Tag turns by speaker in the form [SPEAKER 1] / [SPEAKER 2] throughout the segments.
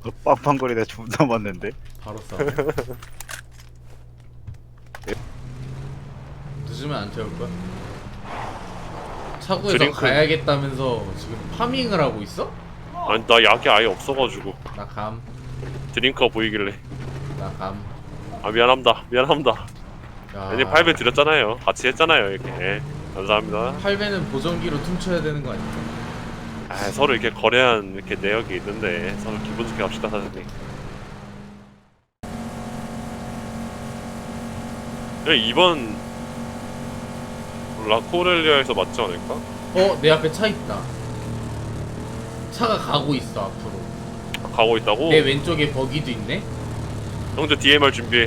[SPEAKER 1] 빵빵거리다 존나 맞는데.
[SPEAKER 2] 바로 싸. 늦으면 안 태울 거야? 차고에서
[SPEAKER 3] 드링크.
[SPEAKER 2] 가야겠다면서 지금 파밍을 하고 있어?
[SPEAKER 3] 아니 나 약이 아예 없어가지고
[SPEAKER 2] 나 감.
[SPEAKER 3] 드링크가 보이길래.
[SPEAKER 2] 나 감.
[SPEAKER 3] 아 미안합니다.
[SPEAKER 2] 야.
[SPEAKER 3] 아니 8배 드렸잖아요. 같이 했잖아요 이렇게. 예, 감사합니다.
[SPEAKER 2] 8배는 보정기로 퉁쳐야 되는 거 아니야?
[SPEAKER 3] 아 서로 이렇게 거래한 이렇게 내역이 있는데 서로 기분 좋게 갑시다 사장님. 이번 라코렐리아에서 맞지 않을까?
[SPEAKER 2] 내 앞에 차 있다. 차가 가고 있어 앞으로.
[SPEAKER 3] 가고 있다고?
[SPEAKER 2] 내 왼쪽에 버기도 있네.
[SPEAKER 3] 형제 DMR 준비해.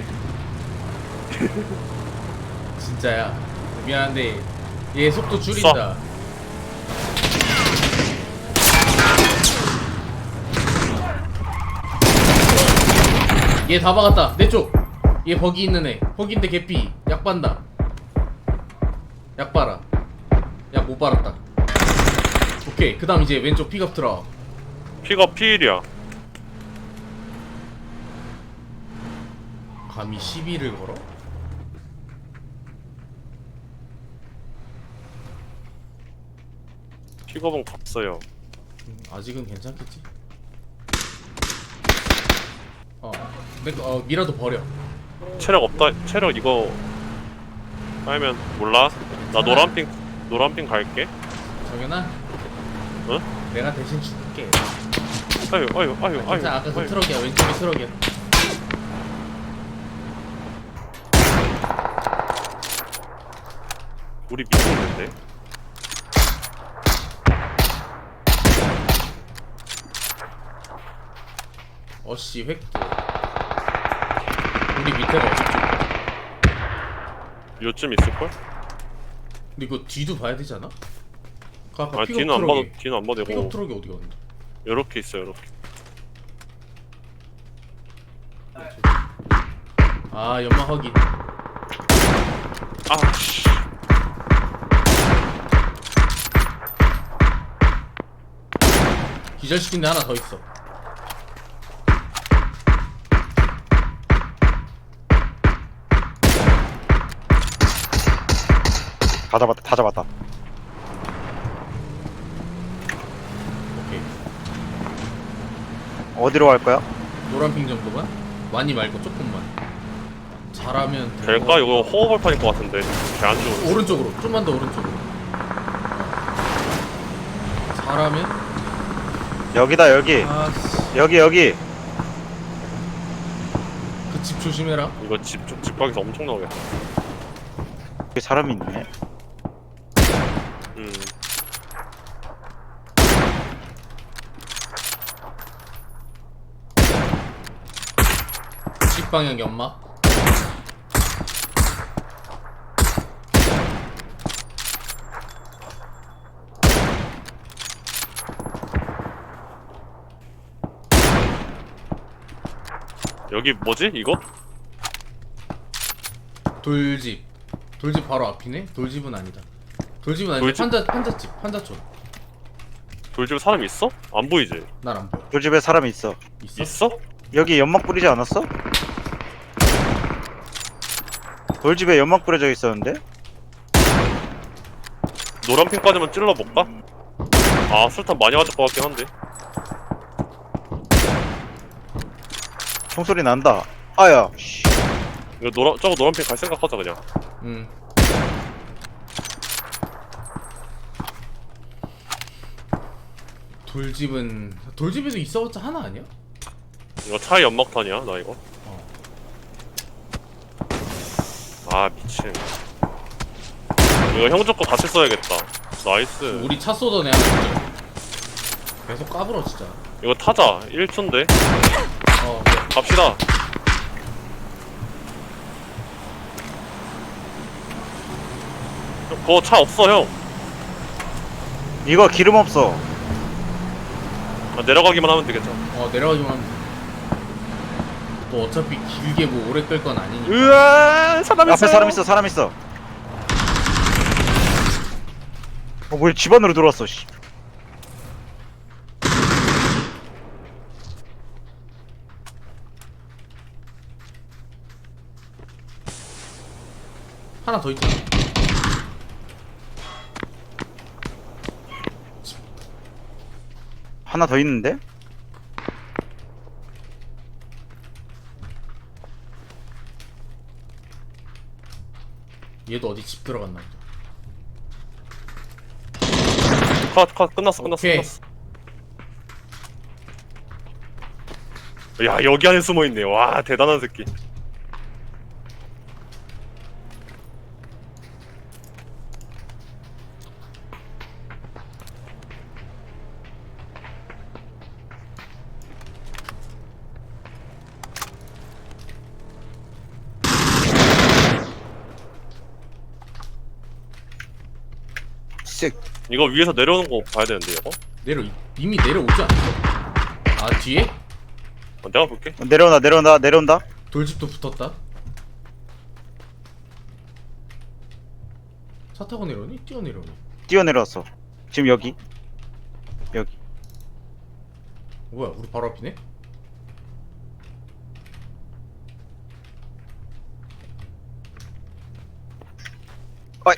[SPEAKER 2] 진짜야. 미안한데 얘 속도 줄인다. 얘 다 박았다. 내 쪽. 얘 버기 있는 애. 버기인데 개피. 약 반다. 약 빨아. 약 못 빨았다. 오케이. 그 다음 이제 왼쪽 픽업 트럭.
[SPEAKER 3] 픽업 피일이야.
[SPEAKER 2] 감히 시비를 걸어?
[SPEAKER 3] 픽업은 갔어요.
[SPEAKER 2] 아직은 괜찮겠지? 미라도 버려.
[SPEAKER 3] 체력 없다. 체력 이거 빨면 몰라. 나 노란핑 갈게.
[SPEAKER 2] 정연아?
[SPEAKER 3] 응?
[SPEAKER 2] 내가 대신 줄게.
[SPEAKER 3] 아유.
[SPEAKER 2] 진짜 아까 그
[SPEAKER 3] 아유.
[SPEAKER 2] 트럭이야. 왼쪽에 트럭이야.
[SPEAKER 3] 우리 밑에 있는데.
[SPEAKER 2] 어씨 획도. 우리 밑에가 어디 쪽이야?
[SPEAKER 3] 요쯤 있을걸?
[SPEAKER 2] 근데 이거 뒤도 봐야 되지 않아? 그 아까
[SPEAKER 3] 아
[SPEAKER 2] 픽업
[SPEAKER 3] 뒤는 안 봐도
[SPEAKER 2] 트럭이.
[SPEAKER 3] 뒤는 안 봐도
[SPEAKER 2] 픽업
[SPEAKER 3] 되고
[SPEAKER 2] 트럭이 어디 갔는데?
[SPEAKER 3] 요렇게 있어 요렇게.
[SPEAKER 2] 아 연막 확인.
[SPEAKER 3] 아 씨.
[SPEAKER 2] 기절시킨 데 하나 더 있어.
[SPEAKER 1] 다 잡았다.
[SPEAKER 2] 오케이.
[SPEAKER 1] 어디로 갈 거야?
[SPEAKER 2] 노란핑 정도만? 많이 말고 조금만. 잘하면 될
[SPEAKER 3] 될까?
[SPEAKER 2] 것
[SPEAKER 3] 이거
[SPEAKER 2] 같아.
[SPEAKER 3] 호흡발판일 것 같은데. 개 안 좋은데.
[SPEAKER 2] 오른쪽으로 좀만 더 오른쪽으로. 잘하면
[SPEAKER 1] 여기다 여기.
[SPEAKER 2] 아씨
[SPEAKER 1] 여기.
[SPEAKER 2] 그 집 조심해라.
[SPEAKER 3] 이거 집밖에서 엄청 나오겠다.
[SPEAKER 1] 여기 사람이 있네.
[SPEAKER 3] 음.
[SPEAKER 2] 집 방향 연막.
[SPEAKER 3] 여기 뭐지? 이거?
[SPEAKER 2] 돌집. 돌집 바로 앞이네. 돌집은 아니다. 돌집은 아닌데
[SPEAKER 3] 돌집?
[SPEAKER 2] 판자집 판자촌.
[SPEAKER 3] 돌집에 사람 있어? 안 보이지?
[SPEAKER 2] 날 안 보여.
[SPEAKER 1] 그 집에 사람이 있어.
[SPEAKER 2] 있어?
[SPEAKER 3] 있어?
[SPEAKER 1] 여기 연막 뿌리지 않았어? 돌집에 연막 뿌려져 있었는데?
[SPEAKER 3] 노란핑까지만 찔러볼까? 아 술탄 많이 맞을 것 같긴 한데.
[SPEAKER 1] 총소리 난다. 아야. 씨.
[SPEAKER 3] 이거 저거 노란핑 갈 생각하자 그냥.
[SPEAKER 2] 응. 돌집에도 있어봤자 하나 아니야?
[SPEAKER 3] 이거 차에 연막탄이야 나 이거. 아 미친. 이거 형 쪽 거 같이 써야겠다. 나이스.
[SPEAKER 2] 우리 차 쏘던 애 하나 있죠. 계속 까불어 진짜.
[SPEAKER 3] 이거 타자 1초인데
[SPEAKER 2] 네.
[SPEAKER 3] 갑시다. 그거 차 없어 형.
[SPEAKER 1] 이거 기름 없어.
[SPEAKER 3] 아, 내려가기만 하면 되겠죠.
[SPEAKER 2] 내려가기만 하면 돼. 또 어차피 길게 뭐 오래 끌 건 아니니까.
[SPEAKER 3] 으아 사람
[SPEAKER 1] 앞에 사람 있어. 뭐야 집 안으로 들어왔어. 씨.
[SPEAKER 2] 하나 더 있잖아.
[SPEAKER 1] 하나 더 있는데?
[SPEAKER 2] 얘도 어디 집 들어갔나 보다.
[SPEAKER 3] 컷 끝났어
[SPEAKER 2] 오케이.
[SPEAKER 3] 야 여기 안에 숨어있네. 와 대단한 새끼.
[SPEAKER 1] 쓱.
[SPEAKER 3] 이거 위에서 내려오는 거 봐야 되는데 이거.
[SPEAKER 2] 이미 내려오지 않았어? 아 뒤에?
[SPEAKER 3] 내가 볼게.
[SPEAKER 1] 내려온다.
[SPEAKER 2] 돌집도 붙었다. 차 타고 내려오니? 뛰어 내려오니?
[SPEAKER 1] 뛰어내려왔어. 지금 여기.
[SPEAKER 2] 뭐야 우리 바로 앞이네?
[SPEAKER 1] 어이.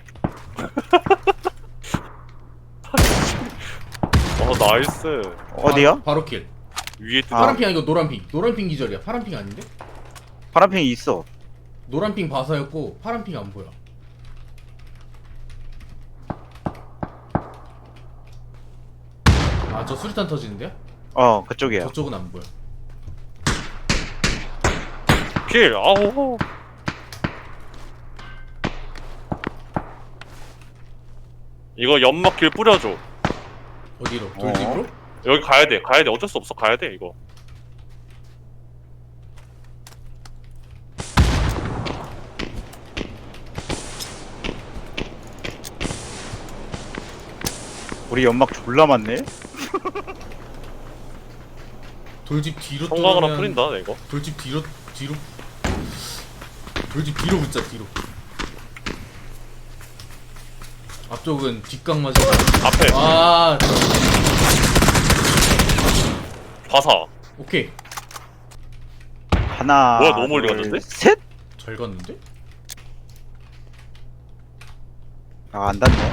[SPEAKER 3] 나이스.
[SPEAKER 1] 어디야?
[SPEAKER 2] 바로 킬.
[SPEAKER 3] 위에 뜨.
[SPEAKER 1] 아.
[SPEAKER 2] 파란핑 아니고 노란핑. 노란핑 기절이야. 파란핑 아닌데?
[SPEAKER 1] 파란핑이 있어.
[SPEAKER 2] 노란핑 바사였고 파란핑 안 보여. 아 저 수류탄 터지는데요?
[SPEAKER 1] 그쪽이야.
[SPEAKER 2] 저쪽은 안 보여.
[SPEAKER 3] 킬. 아우. 이거 연막길 뿌려줘.
[SPEAKER 2] 어디로? 돌집으로?
[SPEAKER 3] 여기 가야 돼. 어쩔 수 없어. 가야 돼 이거.
[SPEAKER 1] 우리 연막 졸라 많네.
[SPEAKER 2] 돌집 뒤로
[SPEAKER 3] 성광 하나
[SPEAKER 2] 뚫으면
[SPEAKER 3] 뿌린다 이거.
[SPEAKER 2] 돌집 뒤로 돌집 뒤로 붙자 뒤로. 앞쪽은 뒷각 맞아.
[SPEAKER 3] 앞에
[SPEAKER 2] 아
[SPEAKER 3] 화사.
[SPEAKER 2] 오케이
[SPEAKER 1] 하나.
[SPEAKER 3] 뭐야, 너무 멀리
[SPEAKER 1] 둘,
[SPEAKER 3] 갔는데?
[SPEAKER 1] 셋?
[SPEAKER 2] 잘 갔는데?
[SPEAKER 1] 안 닿네.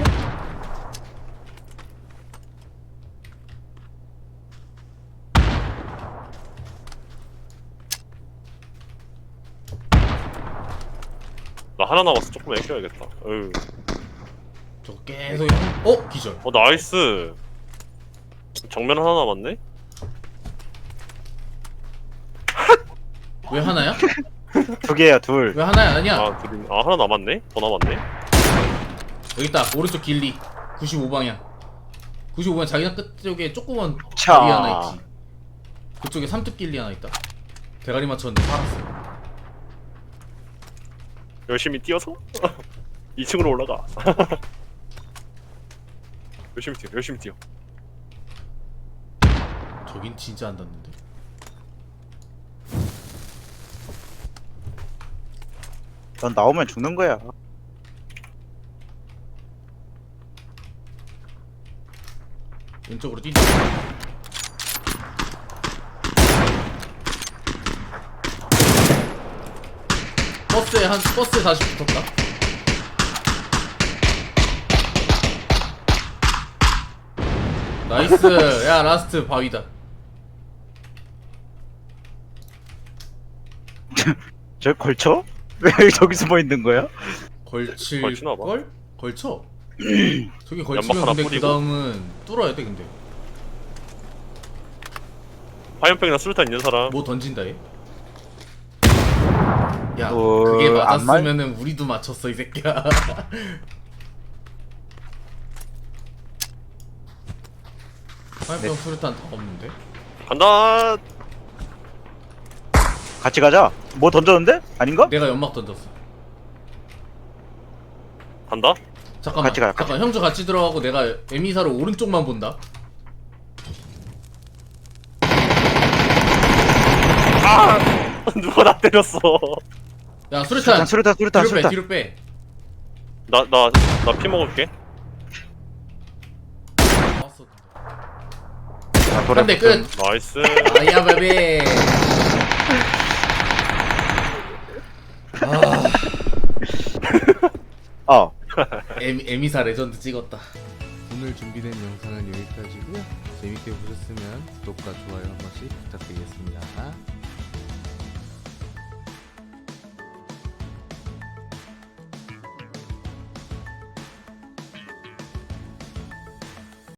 [SPEAKER 3] 나 하나 남았어. 조금 아껴야겠다. 어휴.
[SPEAKER 2] 저거 계속 기절.
[SPEAKER 3] 나이스. 정면 하나 남았네.
[SPEAKER 2] 왜 하나야?
[SPEAKER 1] 두 개야, 둘.
[SPEAKER 2] 왜 하나야 아니야?
[SPEAKER 3] 하나 남았네. 더 남았네.
[SPEAKER 2] 여기 있다 오른쪽 길리 95방향 95방향 자기장 끝쪽에 조그만
[SPEAKER 1] 차.
[SPEAKER 2] 길리 하나 있지. 그쪽에 삼뚝 길리 하나 있다. 대가리 맞췄는데 살았어.
[SPEAKER 3] 열심히 뛰어서 2층으로 올라가. 열심히 뛰어.
[SPEAKER 2] 저긴 진짜 안 닿는데.
[SPEAKER 1] 넌 나오면 죽는 거야.
[SPEAKER 2] 왼쪽으로 뛰자. 버스에 다시 붙었다. 나이스. 야 라스트 바위다.
[SPEAKER 1] 저 걸쳐? 왜 저기 숨어 있는 거야?
[SPEAKER 3] 걸치나 봐.
[SPEAKER 2] 걸칠 걸? 걸쳐. 저기
[SPEAKER 3] 연막
[SPEAKER 2] 걸치면
[SPEAKER 3] 하나
[SPEAKER 2] 근데 그
[SPEAKER 3] 뿌리고.
[SPEAKER 2] 다음은 뚫어야 돼 근데.
[SPEAKER 3] 화염병이나 수류탄 있는 사람.
[SPEAKER 2] 뭐 던진다 얘. 야
[SPEAKER 1] 어,
[SPEAKER 2] 그게
[SPEAKER 1] 안 맞-
[SPEAKER 2] 맞았으면은 우리도 맞췄어 이 새끼야. 화염병
[SPEAKER 1] 네.
[SPEAKER 2] 수류탄 다 없는데?
[SPEAKER 3] 간다.
[SPEAKER 1] 같이 가자. 뭐 던졌는데? 아닌가?
[SPEAKER 2] 내가 연막 던졌어.
[SPEAKER 3] 간다.
[SPEAKER 2] 잠깐만.
[SPEAKER 1] 같이 가요,
[SPEAKER 2] 잠깐 형주 같이 들어가고 내가 에미사로 오른쪽만 본다.
[SPEAKER 3] 누가 나 때렸어.
[SPEAKER 2] 야 수류탄.
[SPEAKER 1] 수류탄.
[SPEAKER 2] 뒤로 빼.
[SPEAKER 3] 나 피 먹을게.
[SPEAKER 2] 왔어.
[SPEAKER 1] 돌아.
[SPEAKER 2] 한대 끝.
[SPEAKER 3] 나이스.
[SPEAKER 2] 아야 베베. 아. 에미사 레전드 찍었다.
[SPEAKER 4] 오늘 준비된 영상은 여기까지고요. 재밌게 보셨으면 구독과 좋아요 한 번씩 부탁드리겠습니다.